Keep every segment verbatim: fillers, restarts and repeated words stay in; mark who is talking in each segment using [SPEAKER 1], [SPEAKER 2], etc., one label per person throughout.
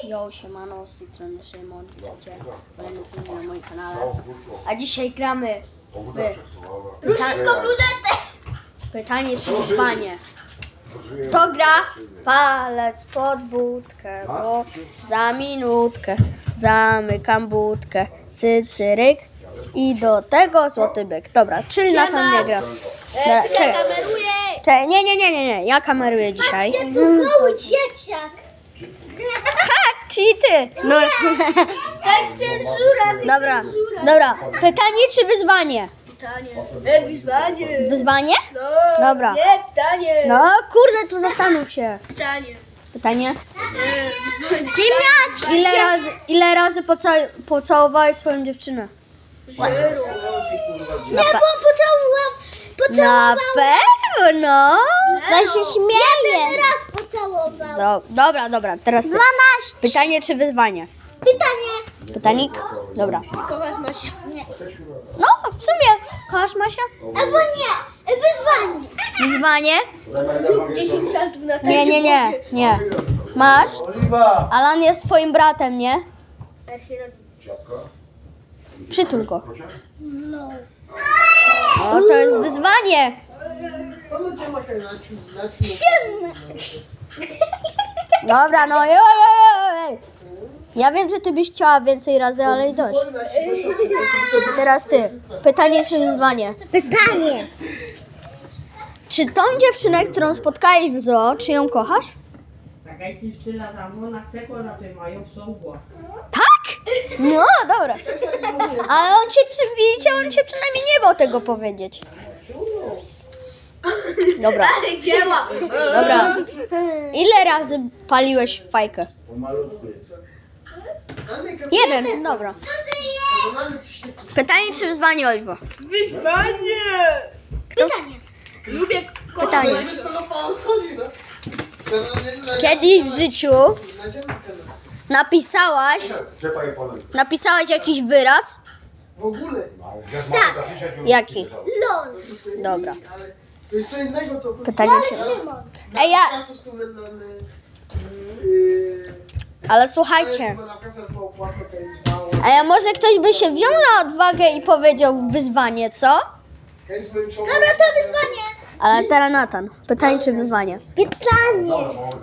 [SPEAKER 1] Yo, siemano, z tej strony Szymon, witajcie w kolejnym filmie na moim kanale. A dzisiaj gramy w
[SPEAKER 2] Rusyjską ruletę!
[SPEAKER 1] pytanie czy wyzwanie. Kto gra? Palec pod budkę, bo za minutkę zamykam budkę. Cycyryk i do tego złoty byk. Dobra, czyli Natan nie gra. Dobra, czekaj,
[SPEAKER 2] Kameruję!
[SPEAKER 1] czekaj, nie, nie, nie, nie, nie, ja kameruję dzisiaj.
[SPEAKER 2] Patrzcie, co mały dzieciak!
[SPEAKER 1] Ha, czyli ty. No,
[SPEAKER 2] To jest cenzura, to jest
[SPEAKER 1] dobra,
[SPEAKER 2] cenzura.
[SPEAKER 1] dobra. Pytanie czy wyzwanie?
[SPEAKER 2] Pytanie. E, wyzwanie.
[SPEAKER 1] Wyzwanie?
[SPEAKER 2] No,
[SPEAKER 1] Dobra.
[SPEAKER 2] Nie, pytanie.
[SPEAKER 1] No kurde, to zastanów się.
[SPEAKER 2] Pytanie.
[SPEAKER 1] Pytanie?
[SPEAKER 2] Ziemniaczki.
[SPEAKER 1] Ile razy, ile razy poca- pocałowałeś swoją dziewczynę?
[SPEAKER 2] Zero. Nie, bo on pocałował.
[SPEAKER 1] Na
[SPEAKER 2] Pocałował.
[SPEAKER 1] pewno.
[SPEAKER 2] Ja się śmieję. Jeden raz pocałował.
[SPEAKER 1] Do, dobra, dobra, teraz ty.
[SPEAKER 2] Dwanaście.
[SPEAKER 1] Pytanie czy wyzwanie?
[SPEAKER 2] Pytanie.
[SPEAKER 1] Pytanik? Dobra.
[SPEAKER 2] Kochasz Masia? Nie.
[SPEAKER 1] No, w sumie. Kochasz Masia?
[SPEAKER 2] Albo nie. Wyzwanie.
[SPEAKER 1] Wyzwanie?
[SPEAKER 2] dziesięć saltów na
[SPEAKER 1] Nie, nie, nie, nie. Masz?
[SPEAKER 3] Oliwa!
[SPEAKER 1] Alan jest twoim bratem, nie? Przytul go.
[SPEAKER 2] No.
[SPEAKER 1] O, to jest wyzwanie.
[SPEAKER 2] Siedem.
[SPEAKER 1] Dobra, no. Ej, ej, ej. Ja wiem, że ty byś chciała więcej razy, ale i dość. Teraz ty. Pytanie czy wyzwanie?
[SPEAKER 2] Pytanie.
[SPEAKER 1] Czy tą dziewczynę, którą spotkałeś w zoo, czy ją kochasz?
[SPEAKER 4] Така dziewczyna za mną na tego na tym mają sołło.
[SPEAKER 1] Tak? No, dobra. Ale on cię, przy- widzicie, on cię przynajmniej nie bał tego powiedzieć. Dobra,
[SPEAKER 2] Dzieła.
[SPEAKER 1] dobra. Ile razy paliłeś fajkę? Jeden, dobra. Pytanie czy wyzwanie, Oliwo?
[SPEAKER 2] Pytanie. Lubię
[SPEAKER 1] Pytanie. Kiedyś w życiu napisałaś, napisałaś jakiś wyraz?
[SPEAKER 3] W ogóle.
[SPEAKER 2] Tak.
[SPEAKER 1] Jaki?
[SPEAKER 2] LOL.
[SPEAKER 1] Dobra.
[SPEAKER 3] To jest co innego, co...
[SPEAKER 1] Pytanie czy...
[SPEAKER 2] Szymon.
[SPEAKER 1] Ej, ja...
[SPEAKER 3] Co z tu na... na- yy,
[SPEAKER 1] Ale słuchajcie.
[SPEAKER 3] na kasę po opłatę, to jest mało.
[SPEAKER 1] A ja może ktoś by się wziął na odwagę i powiedział wyzwanie, co?
[SPEAKER 3] To jest moim czołem.
[SPEAKER 2] Dobra, to wyzwanie.
[SPEAKER 1] Ale teraz Natan. Pytanie czy wyzwanie?
[SPEAKER 2] Pytanie.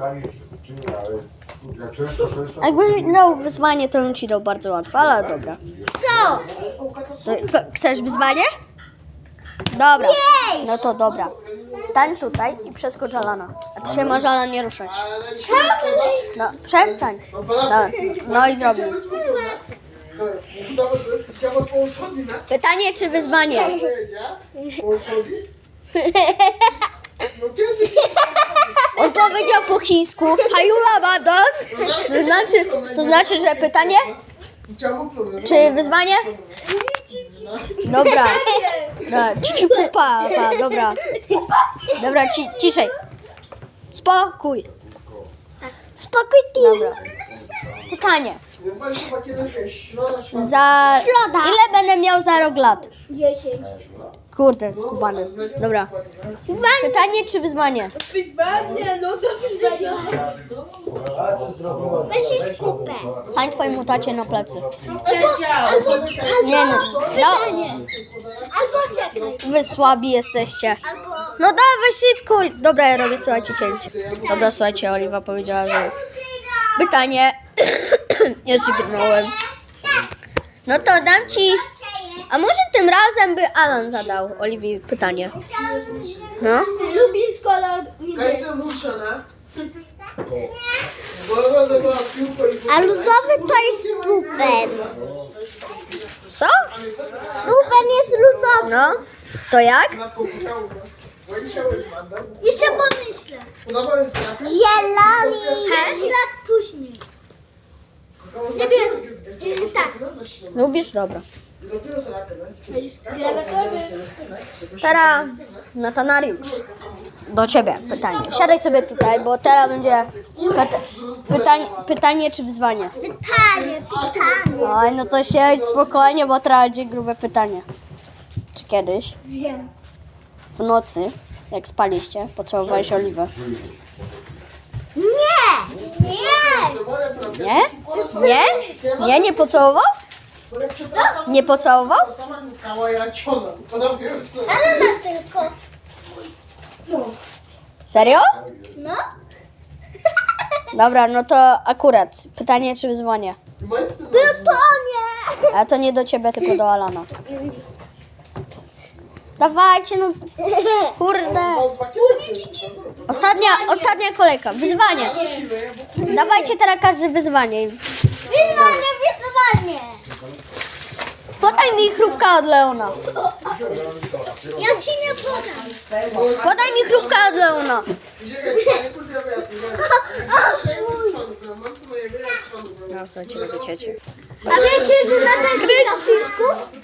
[SPEAKER 1] Jakbyś miał wyzwanie, to bym ci dał bardzo łatwo, ale dobra.
[SPEAKER 2] Co?
[SPEAKER 1] To, co, chcesz wyzwanie? Dobra. No to dobra. Stań tutaj i przeskocz Alana. A ty się może Alan nie ruszać. No, przestań. No, no i zrobił. Pytanie czy wyzwanie? On powiedział po chińsku Hayula Bados. To znaczy, to znaczy, że pytanie? Czy wyzwanie? Dobra. Dobra, cici pupa, pa, dobra. Dobra, ci, ciszej. Spokój.
[SPEAKER 2] Spokój ty.
[SPEAKER 1] Dobra. Pytanie. Za... Ile będę miał za rok lat?
[SPEAKER 2] Dziesięć.
[SPEAKER 1] Kurde, skubany. Dobra. Pytanie czy wyzwanie?
[SPEAKER 2] Wyzwanie, no to wyzwanie. Weź się skupę.
[SPEAKER 1] Stań twojemu tacie na plecy.
[SPEAKER 2] Albo, albo,
[SPEAKER 1] Nie no. no.
[SPEAKER 2] albo czekaj.
[SPEAKER 1] Wy słabi jesteście.
[SPEAKER 2] Albo...
[SPEAKER 1] No dawaj szybko. Dobra, ja robię, słuchajcie, cięcie. Dobra, słuchajcie, Oliwa powiedziała, że... Pytanie. Nie żygnąłem. No to dam ci... A może tym razem by Alan zadał Oliwii pytanie? No?
[SPEAKER 2] Lubisz kolor niebieski. A luzowy to jest lupen.
[SPEAKER 1] Co?
[SPEAKER 2] Lupen jest luzowy.
[SPEAKER 1] No? To jak?
[SPEAKER 2] Jeszcze pomyślę. Zielony. pięć lat później. Niebieski. Tak.
[SPEAKER 1] Lubisz? Dobra. Teraz Natanariusz. Do ciebie pytanie. Siadaj sobie tutaj, bo teraz będzie pyta- pytań, pytanie czy wyzwanie.
[SPEAKER 2] Pytanie, pytanie.
[SPEAKER 1] Oj, no to siedź spokojnie, bo teraz będzie grube pytanie. Czy kiedyś
[SPEAKER 2] Wiem.
[SPEAKER 1] w nocy, jak spaliście, pocałowałeś Oliwę?
[SPEAKER 2] Nie! Nie!
[SPEAKER 1] Nie? Nie? Nie, nie pocałował? Nie pocałował?
[SPEAKER 3] Sama kukała, ja ciągnę. Ona wie, że to...
[SPEAKER 2] Ale na tylko.
[SPEAKER 1] Serio?
[SPEAKER 2] No.
[SPEAKER 1] Dobra, no to akurat. Pytanie czy wyzwanie?
[SPEAKER 2] Plutonie.
[SPEAKER 1] A to nie do ciebie, tylko do Alana. Dawajcie, no kurde. Ostatnia, ostatnia kolejka. Wyzwanie. Dawajcie teraz każdy wyzwanie.
[SPEAKER 2] Wyzwanie, wyzwanie.
[SPEAKER 1] Podaj mi chrupka od Leona.
[SPEAKER 2] Ja ci nie podam.
[SPEAKER 1] Podaj mi chrupka od Leona. No, słuchajcie, robię ciecie.
[SPEAKER 2] A wiecie, że na ten sikafiszku?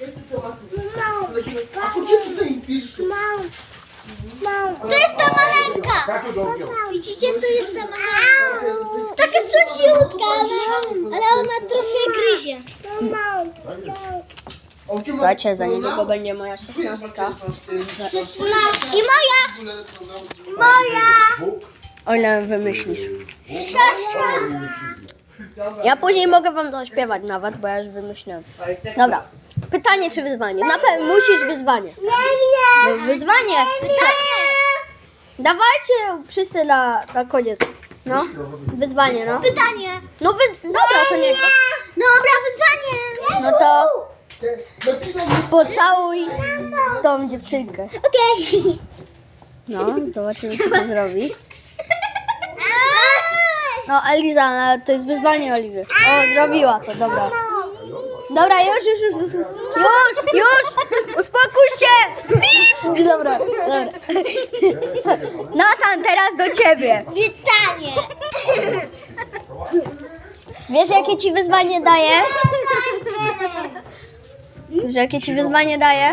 [SPEAKER 3] A po nie tutaj pisz?
[SPEAKER 2] To jest ta maleńka. Widzicie, tu jest ta maleńka. Taka słodziutka, ale, ale ona trochę gryzie.
[SPEAKER 1] Słuchajcie, za niedługo będzie moja szesnastka.
[SPEAKER 2] szesnaście. I moja. Moja.
[SPEAKER 1] O ile wymyślisz.
[SPEAKER 2] Sześcia.
[SPEAKER 1] Ja później mogę wam zaśpiewać nawet, bo ja już wymyśliłem. Dobra. Pytanie czy wyzwanie? Na pewno musisz wyzwanie.
[SPEAKER 2] Nie
[SPEAKER 1] No, wyzwanie. Co? Dawajcie wszyscy na, na koniec. No, wyzwanie, no.
[SPEAKER 2] Pytanie.
[SPEAKER 1] No wy... Dobra, to nie.
[SPEAKER 2] Dobra, wyzwanie.
[SPEAKER 1] No to pocałuj tą dziewczynkę.
[SPEAKER 2] Okej.
[SPEAKER 1] No, zobaczymy, co to zrobi. No, Eliza, no, to jest wyzwanie Oliwy. O, zrobiła to, dobra. Dobra, już, już, już, już. Już, już! Uspokój się! Dobra, dobra. Natan, teraz do ciebie.
[SPEAKER 2] Pytanie.
[SPEAKER 1] Wiesz, jakie ci wyzwanie daje? Wiesz, jakie ci wyzwanie daje?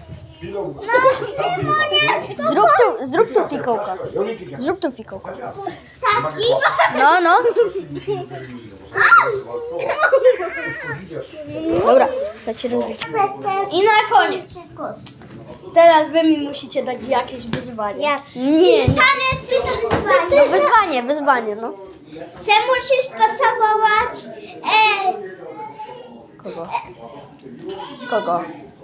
[SPEAKER 1] Zrób tu, zrób tu fikołka. Zrób tu fikołka.
[SPEAKER 2] Taki?
[SPEAKER 1] No, no. Dobra, chcecie robić. I na koniec. Teraz wy mi musicie dać jakieś wyzwanie.
[SPEAKER 2] Jak?
[SPEAKER 1] Nie, nie.
[SPEAKER 2] Taniec jest
[SPEAKER 1] No,
[SPEAKER 2] wyzwanie.
[SPEAKER 1] wyzwanie, wyzwanie, no.
[SPEAKER 2] Chcę musisz pocałować e,
[SPEAKER 1] Kogo? Kogo?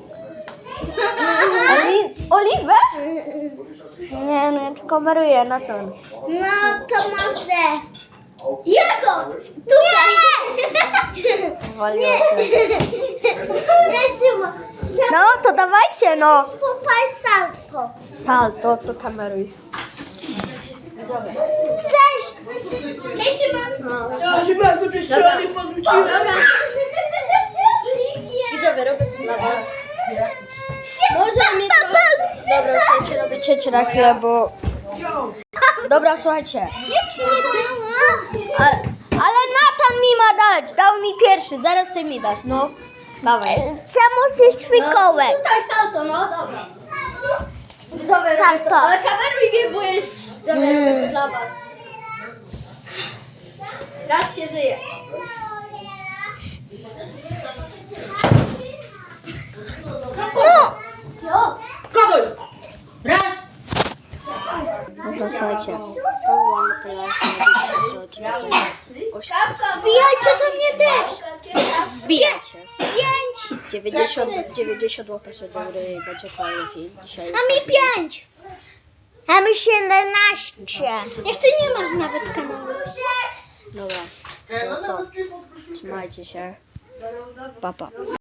[SPEAKER 1] Oli Oliwę? Nie, no ja tylko kameruję na to.
[SPEAKER 2] no to może jego tutaj.
[SPEAKER 1] Waliło się.
[SPEAKER 2] Weźmy.
[SPEAKER 1] No, to dawajcie, no.
[SPEAKER 2] Tutaj salto.
[SPEAKER 1] Salto, to kameruj.
[SPEAKER 2] Chcesz? Jeśli mam...
[SPEAKER 4] Ja się bardzo mnie strony podrzuciłem.
[SPEAKER 1] Dobra. Widzowie, robię to dla was. Może mi to... Dobra, słuchajcie, robię ciecie na chwilę, bo... Dobra, słuchajcie.
[SPEAKER 2] Ja ci nie dałam.
[SPEAKER 1] Ale, ale Natan mi ma dać. Dał mi pierwszy, zaraz ty mi dasz, no. Dawaj.
[SPEAKER 2] Chcę musisz fikołek.
[SPEAKER 1] No, tutaj salto, no, dobra. Widzowie,
[SPEAKER 2] Salto.
[SPEAKER 1] robię to. Ale kameruj mnie, bo jest... Widzowie, robię to dla was. Raz się żyje.
[SPEAKER 2] No.
[SPEAKER 4] Kogoś! Raz!
[SPEAKER 1] Dobra, słuchajcie. To było na tyle.
[SPEAKER 2] Wbijajcie do mnie też.
[SPEAKER 1] Zbijajcie.
[SPEAKER 2] Pięć.
[SPEAKER 1] dziewięćdziesiąt, dziewięćdziesiąt łapeczek do góry i będzie fajny film. Dzisiaj jest
[SPEAKER 2] A mi pięć. A mi siedemnaście. Jak ty nie masz nawet kanału.
[SPEAKER 1] Dobra, no co? Trzymajcie się. Pa, pa.